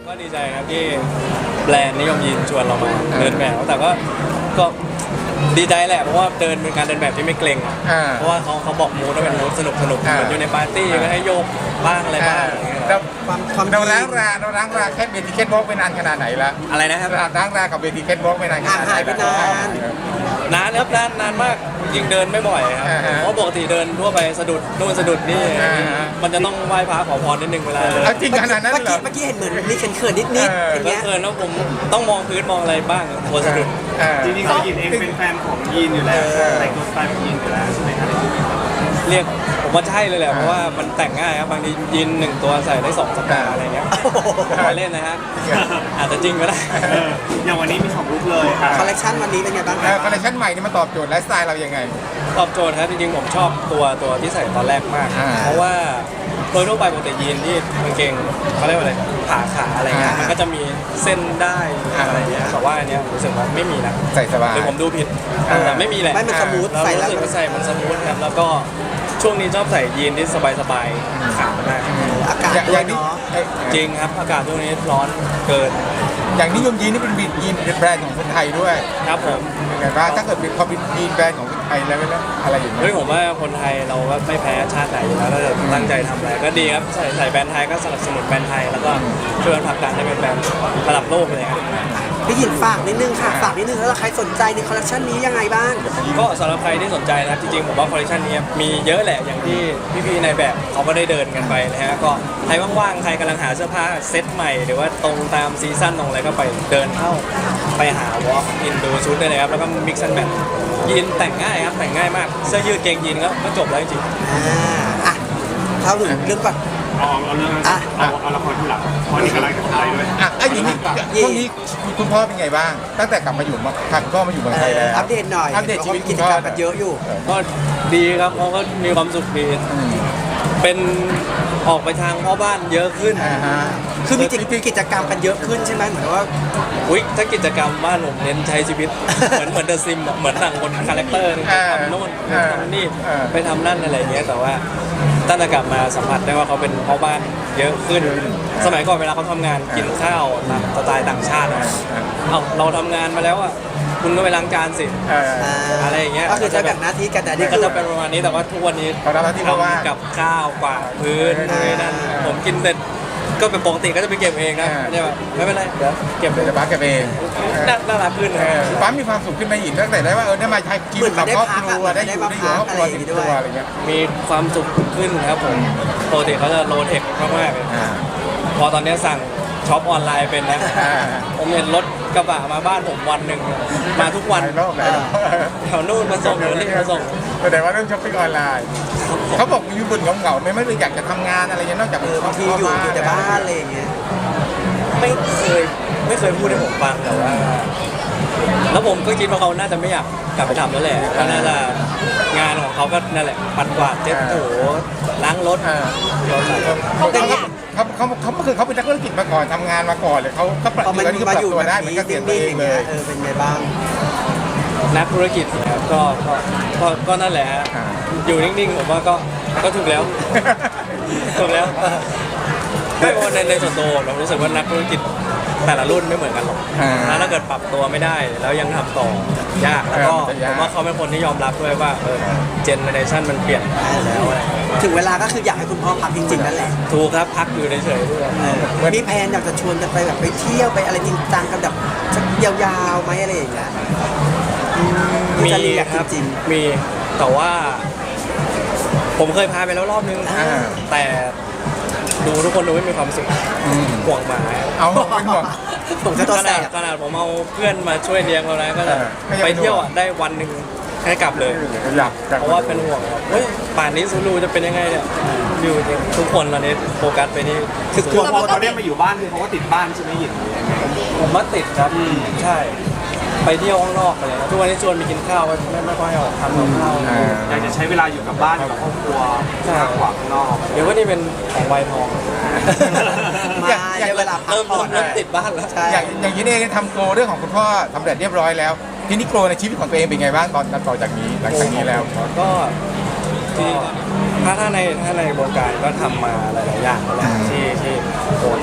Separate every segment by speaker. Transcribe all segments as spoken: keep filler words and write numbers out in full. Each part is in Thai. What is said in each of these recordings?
Speaker 1: ก็ดีใจครับที่แบรนด์นิยมยีนชวนเรามาเดินแบบแต่ก็ก็ดีใจแหละเพราะว่าเดินเป็นการเดินแบบที่ไม่เกรงอะเพราะว่าเขาเขาบอกมูดว่าเป็นมูดสนุกสนุกเหมือนอยู่ในปาร์ตี้ก็ให้โยกบ้างอะไรบ้าง
Speaker 2: เราเราล้างราเราล้างราแค่เบทีเคทบล็อกไปนานขนาดไหนละ
Speaker 1: อะไรนะครับ
Speaker 2: ล้างรากับเบทีเคทบล็อกไปนานขนาดไหน
Speaker 3: หายไปนาน
Speaker 1: นานครับนานนานมากจริงเดินไม่บ่อยครับเพราะปกติเดินทั่วไปสะดุดนู่นสะดุดนี่มันจะต้องไหว้พระขอพรนิดนึงเวลาเดิน
Speaker 2: เอาจริงขนาดนั้น
Speaker 3: เมื่อ
Speaker 2: เหร
Speaker 3: กี้
Speaker 2: อ
Speaker 3: เมื่อกี้เห็นเหมือนมีเขินๆนิดๆอย่าง
Speaker 1: ก็
Speaker 3: เงี้ย
Speaker 1: เกินแล้วผมต้องมองพื้นมองอะไรบ้างกลัวสะดุด
Speaker 4: จริงๆเขายินเองเป็นแฟนของยีนอยู่แล้วแต่งตัวสไตล์ของยีนอยู่แล้วใช่ไหมครับ
Speaker 1: เรียกผมว่าใช่เลยแหละเพราะว่ามันแต่งง่ายครับบางทียีนหนึ่งตัวใส่ได้สองสัปดาห์อะไรเงี้ยมาเล่นนะฮะอาจจะจริงก็ได้
Speaker 4: เอออย่างวันนี้มีสองลุคเลยค่ะ
Speaker 3: คอลเลคชันวันนี้เป็นไงบ้างค
Speaker 2: แล้
Speaker 3: รั
Speaker 2: ว
Speaker 3: บ
Speaker 2: คอลเลคชันใหม่นี่มาตอบโจทย์ไลฟ์สไตล์เรายังไง
Speaker 1: ตอบโจทย์ครับจริงๆผมชอบตัวตัวที่ใส่ตอนแรกมาก
Speaker 2: อ่า
Speaker 1: เพราะว่าโดยทั่วไปปกติยีนที่กางเกงเขาเรียกว่าอะไรผ่าขาอะไรเงี้ย
Speaker 2: อ่ามั
Speaker 1: มันก็จะมีเส้นได้อะไรเงี้ยแต่ว่าอันเนี้ยรู้สึกว่าไม่มีนะ
Speaker 2: ใส่สบาย
Speaker 1: หรือผมดูผิด
Speaker 2: อ่า
Speaker 1: แต่ไม่มีแหละ
Speaker 3: ไม่มันสมูท
Speaker 1: เรา
Speaker 3: ใส่แล้ว
Speaker 1: รู้สึกว่าใส่มันสมูทครับแล้วก็ช่วงนี้ชอบใส่ยีนที่สบายๆขามาก
Speaker 3: อากาศ
Speaker 2: อย่าง
Speaker 3: ด้
Speaker 2: อ
Speaker 3: วย
Speaker 2: ย่างนี้
Speaker 3: เนาะ
Speaker 1: จริงครับอากาศช่วงนี้ร้อนเกิน
Speaker 2: อย่างนิยมยีนนี่เป็นบียีนแบรนด์ของคนไทยด้วย
Speaker 1: ครับผม
Speaker 2: ยังไงบ้างถ้าเกิดเป็นพอเป็นยีนแบรนด์ของคนไทยแล้วแล้วอะไรอย่างเงี้
Speaker 1: เฮ้ย
Speaker 2: ย
Speaker 1: ผมว่าคนไทยเราก็ไม่แพ้ชาติไหนอยู่แล้วถ้าเกิดตั้งใจทำอะไรก็ดีครับใส่ใส่แบรนด์ไทยก็สนับสนุนแบรนด์ไทยแล้วก็ช่วยกันผลักดันให้เป็นแบรนด์ระดับโลกเลยครับ
Speaker 3: พี่หยินฝากนิดนึงค่ะฝากนิดนึงแล้วใครสนใจในคอลเลคชันนี้ยังไงบ้าง
Speaker 1: ก็สำหรับใครที่สนใจนะครับจริงๆผมว่าคอลเลคชันนี้มีเยอะแหละอย่างที่พี่ๆในแบบเขาก็ได้เดินกันไปนะฮะก็ใครว่างๆใครกำลังหาเสื้อผ้าเซ็ตใหม่หรือว่าตรงตามซีซั่นตรงอะไรก็ไปเดินเข้าไปหาวอล์กอินดูชุดได้เลยครับแล้วก็มิกซ์แอนด์แมทยีนแต่งง่ายครับแต่งง่ายมากเสื้อยืดเกงยีนก็ก็จบแล้วจริง
Speaker 3: อ่าอ่ะเข้าถึงเรื่องก่อน
Speaker 4: เอาเอาเรื่องนั้น
Speaker 3: อ่ะ
Speaker 4: เอาเอาละครที่หลังเพราะนี่กำลังจะถ่ายด้วย
Speaker 2: อ่ะไอ้ยีนช่วงนี้คุณพ่อเป็นไงบ้าง ตั้งแต่กลับมาอยู่มาพาคุณพ่อมาอยู่เมือง
Speaker 3: เอ
Speaker 2: ไทย
Speaker 3: อ
Speaker 2: แล้ว
Speaker 3: อัปเดตหน่อย
Speaker 2: อัปเดตชีวิต
Speaker 3: กิจกรรมกันเยอะอยู่
Speaker 1: ก็ดีครับเขาก็มีความสุขดีเป็นออกไปทางพ่อบ้านเยอะขึ้น
Speaker 2: อ่าฮะ
Speaker 3: คือมีกิจกรรมกันเยอะขึ้นใช่ไหมเหมือนว่า
Speaker 1: อุ๊ยถ้ากิจกรรมบ้านผมเน้นใช้ชีวิต เหมือนเหมือนเดอะซิมเหมือนหนังคนคาแรคเตอร์นึง
Speaker 2: เออ
Speaker 1: ทำโน่น
Speaker 2: เออ
Speaker 1: ทำนี่
Speaker 2: เออ
Speaker 1: ไปทำนั่นอะไรอย่างเงี้ยแต่ว่าตั้งแต่กลับมาสัมผัสได้ว่าเขาเป็นพ่อบ้านเยอะขึ้น สมัยก่อนเวลาเขาทำงานกินข้าวตามสไตล์ต่างชาติอะเอ้าเราทำงานมาแล้วอ่ะคุณก็ไปล้างจานสิ
Speaker 2: เออ
Speaker 1: อะไรอย่างเงี้ย
Speaker 3: ก็คือจะแบ่งหน้าที่กันแต่นี่
Speaker 1: ก็
Speaker 3: คือ
Speaker 1: จะเป็นประมาณนี้แต่ว่าทุกวันนี้
Speaker 2: เขารับหน้าที่เพราะว่า
Speaker 1: ทำกับข้าวกวาดพื้น
Speaker 2: เออ
Speaker 1: นี่นั่นผมกินเสร็จก็เป็นปกติก็จะไปเก็บเองนะ
Speaker 2: เออ
Speaker 1: ไม่ใช่แบบไม่เป็นไรเดี๋ยวเก็บ
Speaker 2: เดี๋ยวจะบ้าแกเอง
Speaker 1: น่าน่ารักขึ้น
Speaker 2: เออปั๊มมีความสุขขึ้นไหมหญิงตั้งแต่ได้ว่าเออได้มาใช้กินกับครอบครัวได้อยู่ได้อยู่ครอบครัวติดตัวอะไรเงี้ย
Speaker 1: มีความสุขขึ้นครับผมปกติเขาจะโลเทคมากๆเลย
Speaker 2: อ่า
Speaker 1: พอตอนนี้สั่งช็อปออนไลน์เป็นนะ
Speaker 2: อ่า
Speaker 1: ผมเห็นรถกระบะมาบ้านผมวันหนึ่งมาทุกวัน
Speaker 2: หลายรอบหลายรอบ
Speaker 1: แถวนู่นมาส่งหรือนี่มาส่ง
Speaker 2: แสดงว่าเรื่องช้อปปิ้งออนไลน์เขาบอกอยู่บนเหงาๆไม่ไม่เลยอยากจะทำงานอะไรเงี้ยนอกจาก
Speaker 3: เออบางทีอยู่อยู่แต่บ้านอะไรอย่างเงี้ย
Speaker 1: ไม่เคยไม่เคยพูดให้ผมฟังแต่ว่า แล้วผมก็คิดว่าเขาน่าจะไม่อยากกลับไปทำแล้วแหละก็น่าจะงานของเขาก็นั่นแหละปัดกวาดเช็ดถูล้างรถ
Speaker 2: เออ เขาเขาเขาเขาเขาคือเขาเป็นนักธุรกิจมาก่อนทำงานมาก่อนเลยเขาเขาปรับ
Speaker 3: พอมัน
Speaker 2: ตัวนี่ก็ป
Speaker 3: มา
Speaker 2: รับ
Speaker 3: อยู่
Speaker 2: ตัว
Speaker 3: แบบ
Speaker 2: ได้เหมือน
Speaker 3: นี้
Speaker 2: เกษียณตัว
Speaker 3: นิ่
Speaker 2: เอง ง
Speaker 3: ๆอย่าง
Speaker 2: เล
Speaker 3: เงี้ย
Speaker 2: ย
Speaker 3: เออเป็นไงบ้าง
Speaker 1: นักธุรกิจนะครับก็ก็ก็ก็นั่นแหละฮะ
Speaker 2: อ่า
Speaker 1: อยู่นิ่งๆผมว่าก็ก็ถูกแล้ว ถูกแล้วไม่ว่าในในส่วนตัวเรารู้สึกว่านักธุรกิจแต่ละรุ่นไม่เหมือนกันหรอก
Speaker 2: อ่า
Speaker 1: แล้วถ้าเกิดปรับตัวไม่ได้ แล้วยังทำต่อยากแล้วก็
Speaker 2: เออมันจะยาก
Speaker 1: ผมว่าเขาเป็นคนที่ยอมรับด้วยว่าเออเจเนอเรชันมันเปลี่ยนไปแล้วอะไรอย่างเงี้ย
Speaker 3: ถึงเวลาก็คืออยากให้คุณพ่อพักจริงๆนั่นแหละ
Speaker 1: ถูกครับพักอยู่เฉยๆด้วย
Speaker 3: เออมีแพลนอยากจะชวนกันไปแบบไปเที่ยวไปอะไรจริงจังกันแบบสักยาวๆไหมอะไรอย่างเงี้ยอืม
Speaker 1: มี
Speaker 3: จะรีแลกซ์
Speaker 1: ครับ
Speaker 3: จริง
Speaker 1: มีแต่ว่า ผมเคยพาไปแล้วรอบนึง
Speaker 2: อ่า
Speaker 1: แต่ดูทุกคนดูไม่มีความสุข
Speaker 2: อืม
Speaker 1: ห่วงหมา
Speaker 2: เอาเป็นห่วง
Speaker 3: ๆผมจะตัว
Speaker 1: ข
Speaker 3: แส
Speaker 1: นาด
Speaker 3: บ
Speaker 1: ขนาดผมเอาเพื่อนมาช่วยเลี้ยงเรานะก็จะ
Speaker 2: เออก็ยัง
Speaker 1: ไป
Speaker 2: เป็นห่วง
Speaker 1: เที่ยวอะได้วันหนึ่งแค่กลับเลย
Speaker 2: อยากอยาก
Speaker 1: เพราะว่าเป็นห่วงครับเฮ้ยป่านนี้ซูรูจะเป็นยังไงเนี่ยอยู่ทุกคนตอนนี้โฟกัสไปที่
Speaker 3: คือ
Speaker 1: ซู
Speaker 3: กลัว
Speaker 1: รู
Speaker 4: พอเขาได้มาอยู่บ้านคือเขาก็ติดบ้านใช่ไหมหยินหรือยังไง
Speaker 1: ผมว่าติดครับใช่ ไปเที่ยวข้างนอกอะไรนะทุกวันนี้ชวนไปกินข้าวก็ไม่ไม่ค่อยออกทำกับข้าว
Speaker 2: อ่า
Speaker 4: อยากจะใช้เวลาอยู่กับบ้านกับครอบครัวมากกว่าข้างนอก
Speaker 1: เดี๋ยวว่านี่เป็นของวัยทอง
Speaker 3: มา
Speaker 2: อยากอยาก
Speaker 3: เวลาพัก
Speaker 1: เริ่ม
Speaker 3: ผ่อน
Speaker 1: เริ่มติดบ้านแล้ว
Speaker 3: ใช่
Speaker 2: อย่างอย่างนี้เองทำโกลเรื่องของคุณพ่อสำเร็จเรียบร้อยแล้ว ทีนี้โกลในชีวิตของตัวเองเป็นไงบ้างตอนต่อจากนี้หลังจากนี้แล้ว
Speaker 1: ก็ก็ถ้าถ้าในถ้าในวงการก็ทำมาหลายๆอย่างแล้วแหละที่ที่โหดรายการ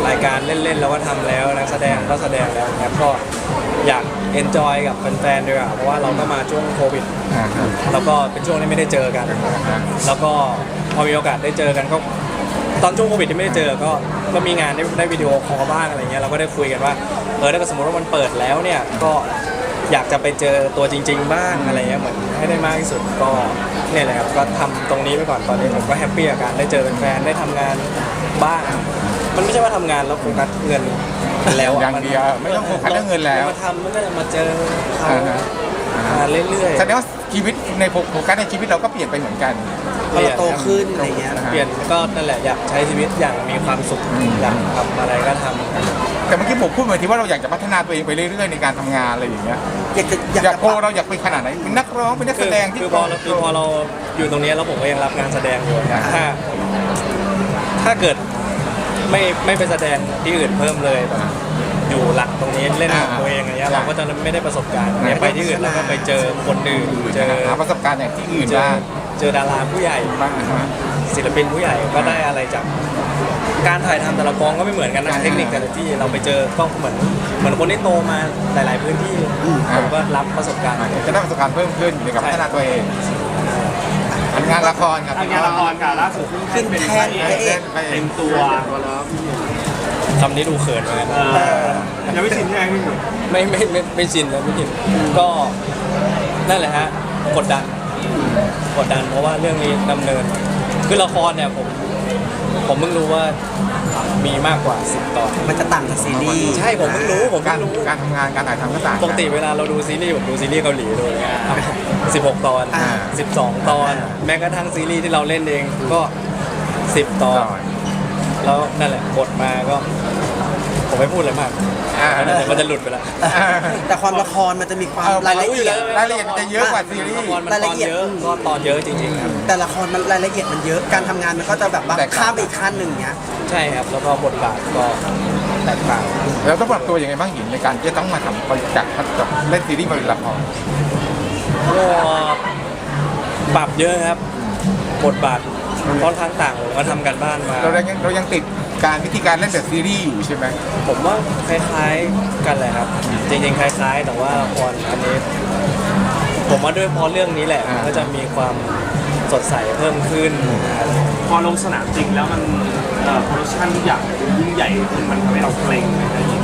Speaker 1: เล่นๆเราก็ทำแล้วนักแสดงก็แสดงแล้วนะครับก็อยากเอนจอยกับแฟนๆด้วยอ่ะเพราะว่าเราก็มาช่วงโควิด
Speaker 2: อ่าครับ
Speaker 1: แล้วก็เป็นช่วงที่ไม่ได้เจอกัน แล้วก็พอมีโอกาสได้เจอกันก็ตอนช่วงโควิดที่ไม่ได้เจอก็ก็มีงานได้ได้วิดีโอคอลบ้างอะไรเงี้ยเราก็ได้คุยกันว่าเออถ้าสมมติว่ามันเปิดแล้วเนี่ยก็อยากจะไปเจอตัวจริง ๆ บ้างอะไรเงี้ยเหมือนให้ได้มากที่สุดก็เนี่ยแหละครับก็ทำตรงนี้ไปก่อนตอนนี้ผมก็แฮปปี้กับการได้เจอแฟนๆได้ทำงานบ้างมันไม่ใช่ว่าทำงานแล้วโฟกัสเงินแล้วะ
Speaker 2: อย่างเดียวไม่ต้องโฟกัสเรื่องเงินแล้ว
Speaker 1: มาทำมันก็จะมาเจอเขา
Speaker 2: อ่าฮะ
Speaker 1: มาเรื่อยๆ
Speaker 2: แสดงว่าชีวิตในโฟกัสในชีวิตเราก็เปลี่ยนไปเหมือนกัน
Speaker 3: พอเราโตขึ้นอะไรเงี้ย
Speaker 1: เปลี่ยนก็นั่นแหละอยากใช้ชีวิตอย่างมีความสุข
Speaker 2: อืม
Speaker 1: อยากทำอะไรก็ทำ
Speaker 2: แต่เมื่อกี้ผมพูดเหมือนที่ว่าเราอยากจะพัฒนาตัวเองไปเรื่อยๆในการทำงานอะไรอย่างเงี้ย
Speaker 3: อยากจะอยาก
Speaker 2: อยาก
Speaker 3: จะ
Speaker 2: โกเราอยากเป็นขนาดไหนเป็นนักร้องเป็นนัก
Speaker 1: คื
Speaker 2: แส
Speaker 1: อ
Speaker 2: ดงที่
Speaker 1: คือพอเราคือพอเราอยู่ตรงนี้แล้วผมก็ยังรับงานแสดงอยู่นะถ้า ถ้าเกิดไม่ไม่ไปแสดงที่อื่นเพิ่มเลยแบบอยู่หลักตรงนี้เล่นของตัวเองอะไรเงี้ยเราก็จะไม่ได้ประสบการณ์เนี่ยไปที่อื่นเราก็ไปเจอคนอื่นเจอ
Speaker 2: หาประสบการณ์อย่างที่อื่น
Speaker 1: เจอ
Speaker 2: บ้าง
Speaker 1: เจอดาราผู้ใหญ่
Speaker 2: บ้างนะฮะ
Speaker 1: ศิลปินผู้ใหญ่ก็ได้อะไรจากการถ่ายทำแต่ละกองก็ไม่เหมือนกันนะ
Speaker 2: อ่า
Speaker 1: เทคนิคแต่ละที่เราไปเจอก็เหมือนเหมือนคนที่โตมาหลาย ๆ พื้นที่ผมก็รับประสบการณ์
Speaker 2: จะได้ประสบการณ์เพิ่มขึ้นในการพัฒนาตัวเองงานละครครับ
Speaker 4: ทำงานละครค่ะล่าสุดขึ้นเป็นพระเอกเต็มตัว
Speaker 1: คำนี้ดูเขินเหมือนกัน
Speaker 4: เออยังไม่ชินใช่ไหมพี่หนุ่ม
Speaker 1: ไม่ไม่ไม่ไม่ชินนะไม่ชินก็นั่นแหละฮะกดดันกดดันเพราะว่าเรื่องนี้ดำเนินคือละครเนี่ยผมผมเพิ่งรู้ว่ามีมากกว่าสิบตอน
Speaker 3: มันจะต่างจากซีรีส์
Speaker 1: ใช่ผมเพิ่งรู้ผม
Speaker 2: กา
Speaker 1: เพิ่
Speaker 2: รง
Speaker 1: รู้
Speaker 2: การทำงานการถ่ายทำก็ต่าง
Speaker 1: ปกติเวลาเราดูซีรีส์ผมดูซีรีส์เกาหลีดูสิบหกตอน
Speaker 3: อ่า
Speaker 1: สิบสองตอน แม้กระทั่งซีรีส์ที่เราเล่นเองก็สิบตอน แล้วนั่นแหละกดมาก็ผมไม่พูดเลยมาก
Speaker 2: อ่า
Speaker 1: เดี๋ยวมันจะหลุดไปละ
Speaker 3: แต่ความละครมันจะมีความ
Speaker 2: เออ
Speaker 3: รายละเอียด
Speaker 2: รายละเอียดมันจะเยอะกว่าซีรี
Speaker 1: ละ
Speaker 2: ส์
Speaker 1: ครมันตอนเยอะก็ตอนเยอะจริงๆครับ
Speaker 3: แต่ละครมันรายละเอียดมันเยอะการทำงานมันก็จะแบบว่า
Speaker 2: แตกต่าง
Speaker 3: ข้ามไปอีกขั้นหนึ่งเนี้ย
Speaker 1: ใช่ครับแล้วก็บทบาทก็แตกต่าง
Speaker 2: แล้วต้องปรับตัวยังไงบ้างหญิงในการที่จะต้องมาทำจากจากเล่นซีรีส์มาเป็นละคร
Speaker 1: ก็ปรับเยอะครับบทบาทค่อนข้างต่างผมก็ทำกันบ้านมา
Speaker 2: เรายังเรายังติดการวิธีการเล่นแบบซีรีส์อยู่ใช่ไหม
Speaker 1: ผมว่าคล้ายๆกันแหละครับ จริงๆคล้ายๆ แต่ว่าพออันนี้ ผมว่าด้วยเพราะเรื่องนี้แหละมันก็จะมีความสดใสเพิ่มขึ้น
Speaker 4: พอลงสนามจริงแล้วมันเอ่อโปรดักชั่นทุกอย่างมันยิ่งใหญ่ขึ้นมันทำให้เราเกรงอะไรอย่างเงี้ย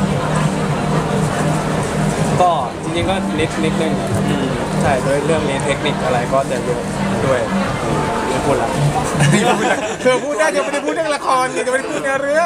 Speaker 1: ก็จริงๆก็นิดนิดนึงครับใช่ด้วยเรื่องนี้เทคนิคอะไรก็จะเยอะด้วยไม่พูดละ
Speaker 2: นี่พูดเลยเธอพูดได้เธอไม่ได้พูดเรื่องละครนี่จะไม่ได้พูดเนื้อเรื่อง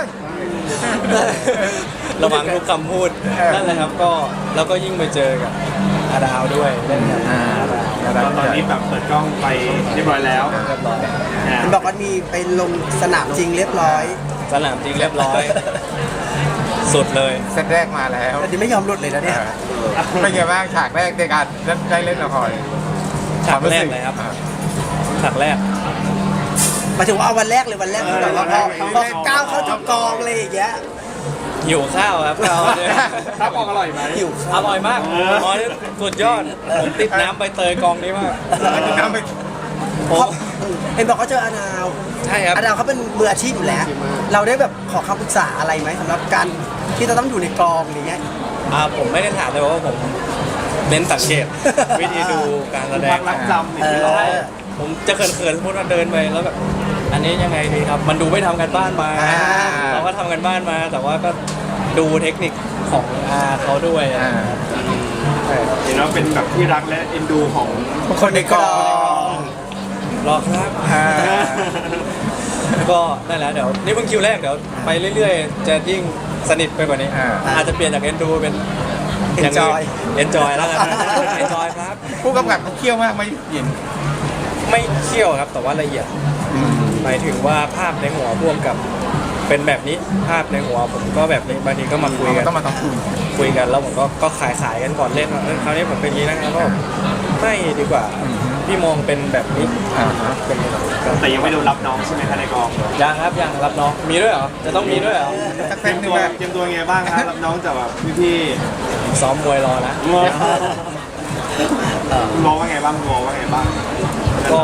Speaker 1: ระวังทุกคำพูด
Speaker 2: เออ
Speaker 1: นั่นแหละครับก็แล้วก็ยิ่งไปเจอกับอาดาวด้วยเล่นกับอาดาว
Speaker 4: ตอนนี้แบบเปิดกล้องไปเรียบร้อยแล้ว
Speaker 1: เรียบร้อย
Speaker 4: อ่า
Speaker 3: เห็นบอกว่ามีไปลงสนามจริงเรียบร้อย
Speaker 1: สนามจริงเรียบร้อย สุดเลย
Speaker 2: เซตแรกมาแล้ว
Speaker 3: แต่นี่ไม่ยอมหลุดเลยนะเนี่ย
Speaker 2: เป็นไงบ้างฉากแรกในการได้เล่นละคร
Speaker 1: ฉากแรกเลยครับฉากแรก
Speaker 3: หมายถึงว่าเอาวันแรกเลยวันแรกคือแบบว่าพอพอก้าวเข้าจุดกองเลยอย่างเงี้ย
Speaker 1: หิวข้าวครับข้าวเนี่ย
Speaker 4: ข้าวกล้องอร่อยไหม
Speaker 3: หิว
Speaker 1: อร่อยมากอ๋อนี่สุดยอดผมติดน้ำใบเตยกองนี้มาก
Speaker 2: น้ำไป
Speaker 1: ผม
Speaker 3: เห็นบอกเขาเจออาดาว
Speaker 1: ใช่ครับ
Speaker 3: อาดาวเขาเป็นมืออาชีพอยู่แล้ว เราได้แบบขอคำปรึกษาอะไรไหมสำหรับการที่จะต้องอยู่ในกองอย่างเงี้ย
Speaker 1: อ่าผมไม่ได้ถามเลยว่าผมเน้นสังเกต วิธีดูการแสด
Speaker 4: ควาง มรักจำอย่างที่
Speaker 3: เอ
Speaker 4: เรา
Speaker 3: อ
Speaker 1: ผมจะเขินๆสมมติว่าเดินไปแล้วแบบอันนี้ยังไงดีครับ มันดูไม่ทำกันบ้านมา
Speaker 3: อ่า
Speaker 1: เราก็ทำกันบ้านมา แต่ว่าก็ดูเทคนิคของอาเขาด้วย
Speaker 2: อ่า
Speaker 1: ใช่ครับ
Speaker 4: เห็นว่าเป็นแบบที่รักและเอ็นดูของ
Speaker 2: คนในกอง
Speaker 1: รอครับ
Speaker 2: อ่า
Speaker 1: ก็นั่นแหละเดี๋ยวนี่เพิ่งคิวแรกเดี๋ยวไปเรื่อยๆ จะยิ่งสนิทไปกว่านี้
Speaker 2: อ่า
Speaker 1: อาจจะเปลี่ยนจากเอ็นดูเป็น
Speaker 3: Enjoy
Speaker 1: เอนจอยแล้วกันเอนจอยครับ
Speaker 2: ผู้กำกับเขาเคี่ยวมากไหมหญิง
Speaker 1: ไม่เคี่ยวครับแต่ว่าละเอียดหมายถึงว่าภาพในหัวพ่วงกับเป็นแบบนี้ภาพในหัวผมก็แบบนี้บางทีก็มาคุยกัน
Speaker 2: ต้องมาต้องคุย
Speaker 1: คุยกันแล้วผมก็ก็ขายขายกันก่อนเล่นว่าเออคราวนี้ผมเป็นอย่างนี้นะแล้วก็ไม่ดีกว่า
Speaker 2: อืม
Speaker 1: พี่มองเป็นแบบนี้
Speaker 2: อ่าฮะ
Speaker 1: เป็นอย่างนี้ก็
Speaker 4: แต่ยังไม่โดนรับน้องใช่ไหมคะในกอง
Speaker 1: ยังครับยังรับน้องมีด้วยเหรอจะต้องมีด้วยเหรอ
Speaker 2: สัก
Speaker 4: เตรี
Speaker 2: เส้
Speaker 4: ย
Speaker 2: น
Speaker 4: ม
Speaker 2: หนึ
Speaker 4: ตั
Speaker 2: ง
Speaker 4: ว
Speaker 2: อะ
Speaker 4: เตรียมตัวไงบ้างคะรับน้องจากแบบพี่
Speaker 1: ซ้อมมวยรอนะ
Speaker 4: ๆงอคุณมองว่าไงบ้างคุณมองว่าไงบ้าง
Speaker 1: ก็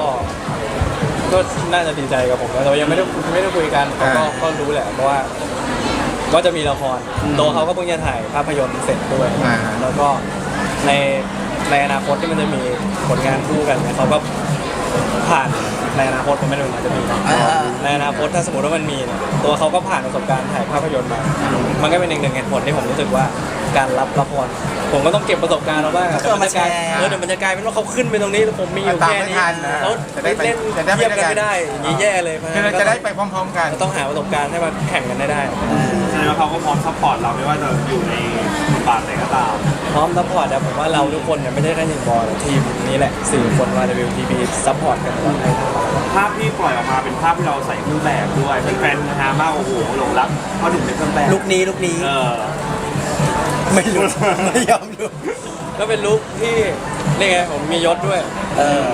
Speaker 1: ก็น่าจะดีใจกับผมนะแต่ว่ายังไม่ได้ไม่ได้คุยกันแต่ก็ก็รู้แหละเพราะว่าก็จะมีละครตัวเขาก็เพิ่งจะถ่ายภาพยนตร์เสร็จด้วย
Speaker 2: อ่า
Speaker 1: แล้วก็ในในอนาคตที่มันจะมีผลงานคู่กันเนี่ยเขาก็ผ่านในอนาคตผมไม่รู้อาจจะมีนะ
Speaker 3: อ่า
Speaker 1: ในอนาคตถ้าสมมติว่ามันมีเนี่ยตัวเขาก็ผ่านประสบการณ์ถ่ายภาพยนตร์มา มันก็เป็นอีกหนึ่งเหตุผลที่ผมรู้สึกว่าการรับละครผมก็ต้องเก็บประสบการณ์เอาบ้าง
Speaker 3: ก็คือเอามาแชร์
Speaker 1: เออเดี๋ยวมันจะกลายเป็นว่าเขาขึ้นไปตรงนี้แล้วผมมีอยู่
Speaker 2: ตาม
Speaker 1: แค่
Speaker 2: ไม่
Speaker 1: นี้
Speaker 2: ทันนะ
Speaker 1: แล้ว
Speaker 2: จะได้ไป
Speaker 1: เล่น
Speaker 2: จะได้ไป
Speaker 1: เทียบกัน
Speaker 2: ด้วยกัน
Speaker 1: ไม่ได้อย่างนี้แย่เลยเพราะ
Speaker 2: คือเราจะได้ไปพร้อมๆกัน
Speaker 1: ก็ต้องหาประสบการณ์ให้มาแข่งกันได้ได้
Speaker 4: แสดงว่าเขาก็พร้อมซัพพอร์ตเราไม่ว่าจะอยู่ในบทบาทไหนก็ตาม
Speaker 1: พร้อมซัพพอร์ตแต่ผมว่าเราทุกคนเนี่ยไม่ใช่แค่หนึ่งบอลทีมนี้แหละสี่คนมา ดับเบิลยู ที บี ซัพพอร์ตกันตลอดให้
Speaker 4: ภาพที่ปล่อยออกมาเป็นภาพที่เราใส่เครื่องแบบด้วยแฟนๆนะฮะมากโอ้โหหลงรักเพราะหนุ่มในเครื่องแบบ
Speaker 3: ลุกนี้ลุกนี้
Speaker 4: เออ
Speaker 3: ไม่รู้ ไม่ยอมรู้
Speaker 1: ก็เป็นลุคที่นี่ไงผมมียศด้วย
Speaker 3: เออ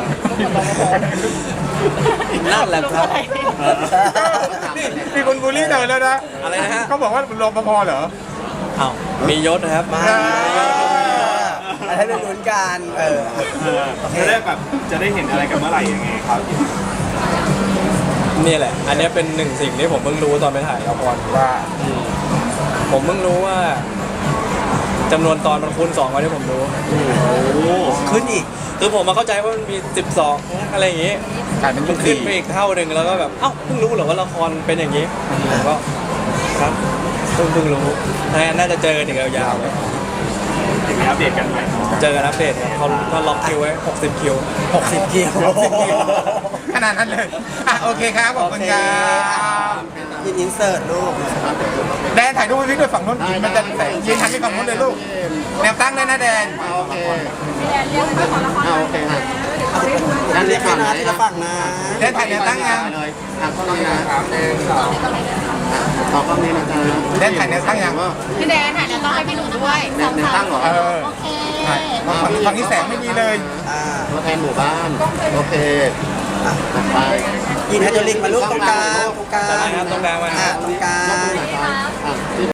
Speaker 3: นั่นแหละครับ
Speaker 2: มีคนบูลลี่เธอแล้วนะ
Speaker 1: อะไรนะฮะ
Speaker 2: เขาบอกว่ารปภเหรอ
Speaker 1: อ้าวมียศนะครับ
Speaker 3: มา
Speaker 2: อ่า
Speaker 3: อะไรให้เป็นลุ้นกันเออ
Speaker 4: เออจะได้แบบจะได้เห็นอะไรกันเมื่อไหร่ยังไงครับ
Speaker 1: นี่แหละ อันเนี้ยเป็นหนึ่งสิ่งที่ผมเพิ่งรู้ตอนไปถ่ายละคร
Speaker 2: ว่า
Speaker 1: ผมเพิ่งรู้ว่าจำนวนตอนมันคูณสองกว่าที่ผมรู้
Speaker 3: ขึ้นอีก
Speaker 1: คือผมมาเข้าใจว่ามันมีสิบสองอะไรอย่างงี้
Speaker 2: กลายเป็น
Speaker 1: มั
Speaker 2: ยุ
Speaker 1: น
Speaker 2: ค
Speaker 1: ขึ้น
Speaker 2: สี่
Speaker 1: ไปอีกเท่าหนึ่งแล้วก็แบบเอ้าเพิ่งรู้เหรอว่าละครเป็นอย่างนี้ผมก็ครับเพิ่งเพิ่งรู้น่าจะเจอกันอีกยาวๆเลย
Speaker 4: เดี๋ยวมีอัปเดตกันใหม่เนาะ
Speaker 1: เจอกันอัปเดตครับเขาเขาล็อกคิวไว้หกสิบคิว
Speaker 3: หกสิบกิโล
Speaker 2: ขนาดนั้นเลยอ่ะโอเคครับขอบคุณครับ
Speaker 3: ยินอินเสิร์ตลูก
Speaker 2: แดนถ่ายรูปให้พี่ด้วยฝั่งนู้นมันจะแต่ยืนหันไปฝั่งนู้นเลยลูกแนวตั้งเลยนะแดน
Speaker 5: โอเคเอาโอเคค่ะ
Speaker 3: อันนี้คณะที่ละฝั่งนะ
Speaker 2: แดนถ่ายแนวตั้งยัง
Speaker 5: เลยทางกล้องนี้นะหนึ่งสองต่อกล้องนี้นะจ๊ะ
Speaker 2: แดนถ่ายแนวตั้งยัง
Speaker 6: พี่แดนถ่ายจะต้องให้พี่หนูด้วย
Speaker 5: แนวแนวตั้งเหรอ
Speaker 2: เออ
Speaker 6: โอเค
Speaker 2: ถ่ายฝั่งฝั่งนี้แสงไม่มีเลย
Speaker 3: อ่า
Speaker 5: ตัวแทนหมู่บ้าน โอเคต่อไป
Speaker 3: ยินไฮโดรลิกมาลูกตรงกลางตรงกลาง
Speaker 1: ตรงกลางมา
Speaker 3: อ่าตรงกลาง
Speaker 5: อ่ะ